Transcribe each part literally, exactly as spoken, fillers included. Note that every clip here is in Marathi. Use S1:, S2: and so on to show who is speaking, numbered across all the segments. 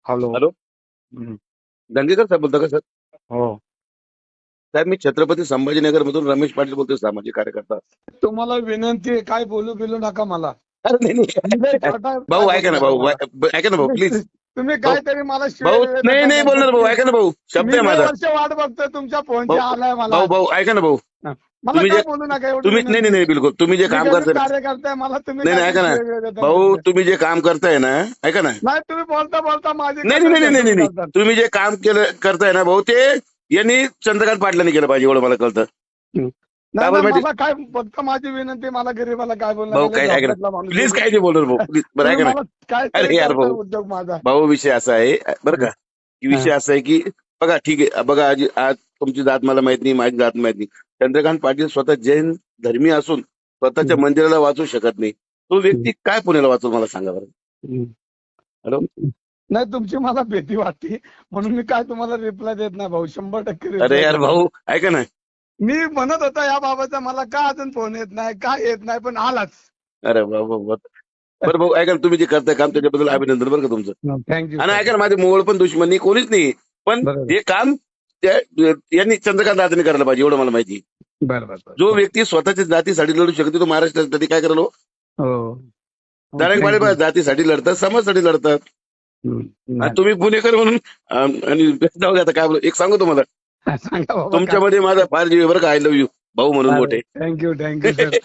S1: हॅलो.
S2: हॅलो.
S1: हं.
S2: दंगेकर साहेब बोलता का सर?
S1: हो.
S2: साहेब मी छत्रपती संभाजीनगर मधून रमेश पाटील बोलतोय, सामाजिक कार्यकर्ता.
S1: तुम्हाला विनंती आहे, काय बोलू बिलू नका मला.
S2: अरे नाही
S1: मी लय
S2: नाही
S1: छोटा आहे, काय
S2: भाऊ
S1: बोलू
S2: ऐका ना
S1: नका
S2: भाऊ,
S1: मला.
S2: ऐ- ऐका ना भाऊ
S1: तुम्ही
S2: प्लीज.
S1: तुम्ही
S2: भाऊ
S1: काहीतरी मला शिवाय
S2: भाऊ
S1: देत
S2: नाही
S1: होता
S2: नाही बोलणार भाऊ,
S1: गणपती.
S2: ऐका ना भाऊ, शब्द
S1: मी
S2: आहे
S1: लय
S2: माझा.
S1: वर्ष वाट बघतोय तुमच्या फोनची,
S2: भाऊ
S1: आलाय मला
S2: भाऊ
S1: आज.
S2: भाऊ ऐका ना भाऊ,
S1: हा. मला
S2: तुम्ही
S1: काय
S2: जे
S1: बोलू नका एवढी
S2: तुम्ही नाही
S1: विनंती.
S2: नाही नाही बिलकुल तुम्ही जे
S1: मी
S2: काम
S1: गरीब
S2: करताय ना,
S1: कार्यकर्ता आहे, मला तुम्ही
S2: नाही नाही
S1: काहीतरी
S2: ऐका ना
S1: शिवाय देता
S2: भाऊ,
S1: नुसते.
S2: तुम्ही जे काम करताय ना, ऐका ना.
S1: नाही, तुम्ही बोलता बोलता माझी
S2: नाही नाही
S1: कन्नड
S2: नाही नाही
S1: घसरून
S2: नाही
S1: करतात.
S2: तुम्ही जे काम केलं करताय ना भाऊ, ते यांनी चंद्रकांत पाटलांनी केलं पाहिजे एवढं मला कळतं.
S1: हं.
S2: काय
S1: नाही
S2: बरं
S1: नाही,
S2: माहिती
S1: मला काय फक्त माझी विनंती, मला गरीबाला काय बोलू
S2: भाऊ,
S1: नका.
S2: काय
S1: लय
S2: ऐका ना
S1: झोपडतला माणूस
S2: प्लीज,
S1: आहे
S2: काय
S1: मी.
S2: नाही बोलणार भाऊ प्लीज, बरं
S1: तुम्ही
S2: ऐका ना.
S1: मला काहीतरी
S2: अरे यार
S1: करताय
S2: भाऊ,
S1: उद्योग माझा.
S2: भाऊ विषय असा आहे बरं का, की
S1: हा.
S2: विषय असा आहे की बघा ठीक आहे, बघा आज आज तुमची जात मला माहित नाही, माझी जात माहित नाही. चंद्रकांत पाटील स्वतः जैन धर्मी असून स्वतःच्या
S1: हं.
S2: मंदिराला वाचू शकत नाही. तो
S1: हं.
S2: व्यक्ती काय पुण्याला वाचू, मला सांगा बरं.
S1: हं.
S2: हॅलो.
S1: नाही, तुमची मला भीती वाटते म्हणून मी काय तुम्हाला रिप्लाय देत नाही भाऊ. शंभर टक्के
S2: अरे
S1: रिप्लाय
S2: यार
S1: देणार.
S2: भाऊ ऐका ना.
S1: मी म्हणत होता या बाबाचा, मला का अजून फोन येत नाही, का येत नाही, पण आलाच.
S2: अरे भाऊ भाऊ भाऊ. बरं भाऊ ऐका ना, तुम्ही जे करताय काम त्याच्याबद्दल अभिनंदन बरं का तुमचं.
S1: थँक्यू
S2: आणि
S1: सर.
S2: ऐका ना, माझे मोवळ पण दुश्मन नाही, कोणीच नाही, पण
S1: बरोबर
S2: हे काम त्या यांनी चंद्रकांत दादांनी करायला पाहिजे एवढं मला माहिती.
S1: बरं बरं
S2: जो
S1: बरं.
S2: व्यक्ती स्वतःच्या जातीसाठी लढू शकते तो महाराष्ट्रासाठी काय करायला.
S1: हो.
S2: दाराक
S1: थँक्यू.
S2: माळे जातीसाठी लढतात, समाजासाठी लढतात. आणि
S1: नाही.
S2: तुम्ही पुणेकर म्हणून अं, आणि जाऊ दे आता काय बोलू. एक सांगू तुम्हाला,
S1: सांगा बाबा काय.
S2: तुमच्यामध्ये माझा फार जीव आहे बरं का, आय लव्ह यू भाऊ म्हणून मोठे.
S1: Thank you thank you sir.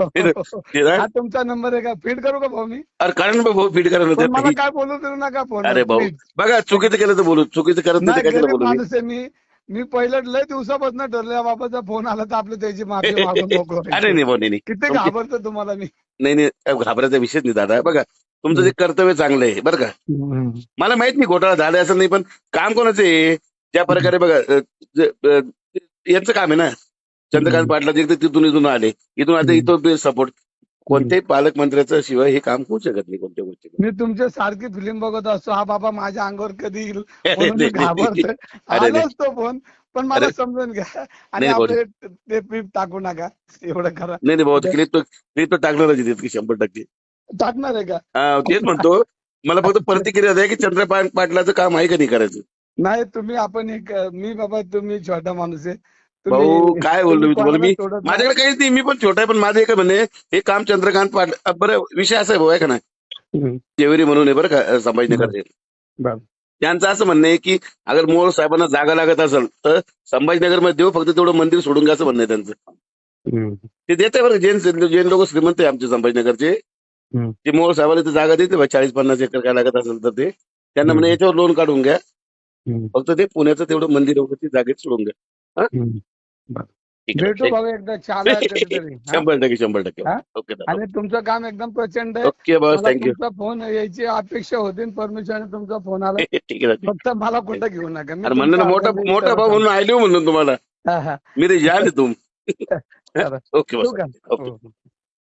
S2: ते ना,
S1: हा तुमचा नंबर आहे का, फीड करू का भाऊ मी.
S2: अरे कारण भाऊ फीड करा ना
S1: पण मला
S2: ते.
S1: काय बोलू देऊ नका फोन.
S2: अरे भाऊ
S1: प्लीज.
S2: बघा, चुकीचं केलं तर बोलू, चुकीचं करत नाही
S1: नाही,
S2: तर काय
S1: गरीब
S2: बोलू मी.
S1: माणूस आहे मी. मी पहिलं लय दिवसापासून ठरलं, या बाबाचा फोन आला तर आपलं त्याची माफी मागून मोकळं
S2: अरे
S1: व्हायचं.
S2: नाही भाऊ, नाही नाही
S1: किती
S2: तुमची-
S1: घाबरतो तुम्हाला मी.
S2: नाही नाही घाबरायचा विषय नाही दादा. बघा तुमचं जे कर्तव्य चांगलं आहे बरं का.
S1: हम्म.
S2: मला माहित नाही घोटाळा झाला असं नाही, पण काम कोणाचं आहे ज्या प्रकारे बघा अ, जे- अ, यांचं काम आहे ना. चंद्रकांत पाटलाचे एकदा तिथून इथून आले, इथून आता इथं सपोर्ट. कोणत्याही पालकमंत्र्याचं शिवाय हे काम होऊ शकत नाही कोणत्या गोष्टी.
S1: मी तुमच्या सारखी फिल्म बघत असतो, हा बाबा माझ्या अंगावर कधी येईल
S2: अरे
S1: म्हणून मी
S2: नाही, नाही.
S1: घाबरतोय.
S2: अरे नाही.
S1: आलोच तो फोन, पण मला
S2: अरे
S1: समजून घ्या. आणि
S2: नाही भाऊ.
S1: आपले ते पीप टाकू नका, एवढं करा.
S2: नाही नाही भाऊ, क्लिप तो क्लिप तो टाकणारच आहे तितकी शंभर टक्के.
S1: टाकणार आहे का.
S2: हा, तेच म्हणतो. मला फक्त प्रतिक्रिया द्या की चंद्रकांत पाटलाचं काम आहे का नाही करायचं.
S1: नाही, तुम्ही आपण एक, मी बाबा तुम्ही छोटा माणूस आहे.
S2: भाऊ काय बोललो मी तुम्हाला, मी
S1: सोडत नाही.
S2: माझ्याकडे काहीच नाही, मी पण छोटा आहे, पण माझं एक म्हणणे हे काम चंद्रकांत पाटील. बरं विषय असा आहे भाऊ, आहे का नाही.
S1: हम्म.
S2: जेवरी म्हणून आहे बरं का संभाजीनगरचे.
S1: बरं.
S2: त्यांचं असं म्हणणं आहे की अगर मोहोळ साहेबांना जागा लागत असेल तर संभाजीनगरमध्ये देऊ, फक्त तेवढं मंदिर सोडून घ्या असं म्हणणं आहे त्यांचं.
S1: हम्म.
S2: ते देते बरं, जैन जैन लोक श्रीमंत आहे आमचे संभाजीनगरचे.
S1: हम्म.
S2: ते मोहोळ साहेबाला ते जागा देते चाळीस पन्नास एकर काय लागत असेल तर ते त्यांना म्हणे याच्यावर लोन काढून घ्या,
S1: हम्म.
S2: फक्त ते पुण्याचं तेवढं मंदिर वगैरे जागेत सोडून घ्या.
S1: हम्म. बरं.
S2: ठीक आहे.
S1: भेटू भाऊ एकदा, चहाला कधीतरी. हा?
S2: शंभर टक्के शंभर टक्के
S1: हा?
S2: ओके
S1: आणि तुमचं काम एकदम प्रचंड आहे.
S2: ओके बस,
S1: मला
S2: थँक्यू.
S1: तुमचा फोन यायची अपेक्षा होती, परमिशन तुमचा फोन आला.
S2: ठीक आहे.
S1: फक्त मला कुठं घेऊ नका. मी
S2: अरे म्हणलं ना, मोठा
S1: तुमच्या
S2: मोठा भाऊ म्हणून आयलो म्हणून तुम्हाला,
S1: हा, हा.
S2: मी ते जान आहे तुम.
S1: चला.
S2: ओके बस
S1: ठेवू का?
S2: ओके.
S1: हो, हो.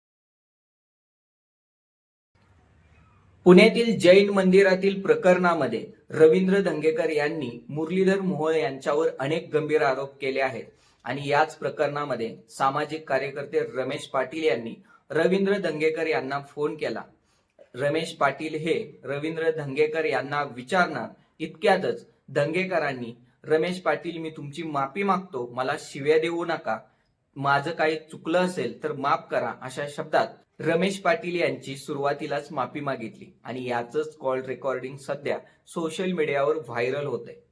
S3: पुण्यातील जैन मंदिरातील प्रकरणामध्ये रवींद्र धंगेकर यांनी मुरलीधर मोहोळ यांच्यावर अनेक गंभीर आरोप केले आहेत. आणि याच प्रकरणामध्ये सामाजिक कार्यकर्ते रमेश पाटील यांनी रवींद्र धंगेकर यांना फोन केला. रमेश पाटील हे रवींद्र धंगेकर यांना विचारणार इतक्यातच धंगेकरांनी, रमेश पाटील मी तुमची माफी मागतो, मला शिव्या देऊ नका, माझं काही चुकलं असेल तर माफ करा, अशा शब्दात रमेश पाटील यांची सुरुवातीलाच माफी मागितली. आणि याचंच कॉल रेकॉर्डिंग सध्या सोशल मीडियावर व्हायरल होतंय.